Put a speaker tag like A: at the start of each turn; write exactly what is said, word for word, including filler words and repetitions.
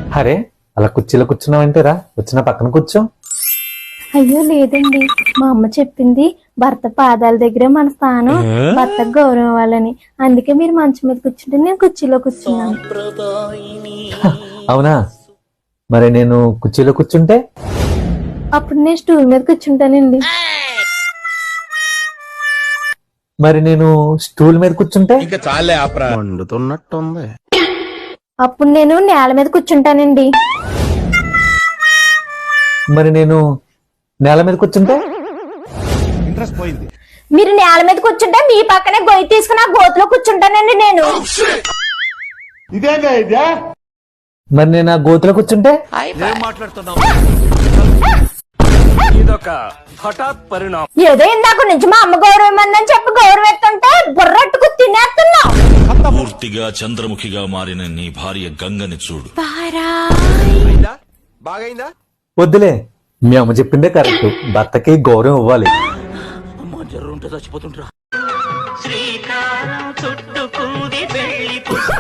A: అరే అలా కుర్చీలో కూర్చున్నావంటేరా, వచ్చిన పక్కన కూర్చో.
B: అయ్యో లేదండి, మా అమ్మ చెప్పింది భర్త పాదాల దగ్గరే మన స్థానం, భర్తకు గౌరవం ఇవ్వాలని. అందుకే మీరు మంచం మీద కూర్చుంటే నేను కుర్చీలో కూర్చున్నాను.
A: అవునా, మరి నేను కుర్చీలో కూర్చుంటే?
B: అప్పుడు నేను స్టూల్ మీద కూర్చుంటానండి.
A: మరి నేను స్టూల్ మీద కూర్చుంటే?
C: ఇంకా చాలే ఆపరా, మండుతున్నట్టుంది.
B: అప్పుడు నేను నేల మీద కూర్చుంటానండి.
A: మరి నేను నేల మీద కూర్చుంటే?
C: ఇంట్రెస్ట్ పోయింది.
B: మీరు నేల మీద కూర్చుంటే మీ పక్కనే గొయ్యి తీసుకుని ఆ గోతులో కూర్చుంటానండి నేను.
C: ఇదేగా ఇదే.
A: మరి నేను ఆ గోతులో కూర్చుంటే?
D: ఇదొక హఠాత్ పరిణామం.
B: ఏదో ఇందాక నుంచి మా అమ్మ గౌరవం అందని చెప్పి గౌరవం ఎత్తుంటే బుర్రట్టుకు తినేస్తున్నావు.
E: పూర్తిగా చంద్రముఖిగా మారిన నీ భార్య గంగని చూడు.
C: బాగైందా?
A: వద్దులే, మీ అమ్మ చెప్పిందే కరెక్ట్. భర్తకి గౌరవం ఇవ్వాలి.
D: అమ్మ జర్రుంటే చచ్చిపోతుంటరా.
F: శ్రీకారం చుట్టుకుంది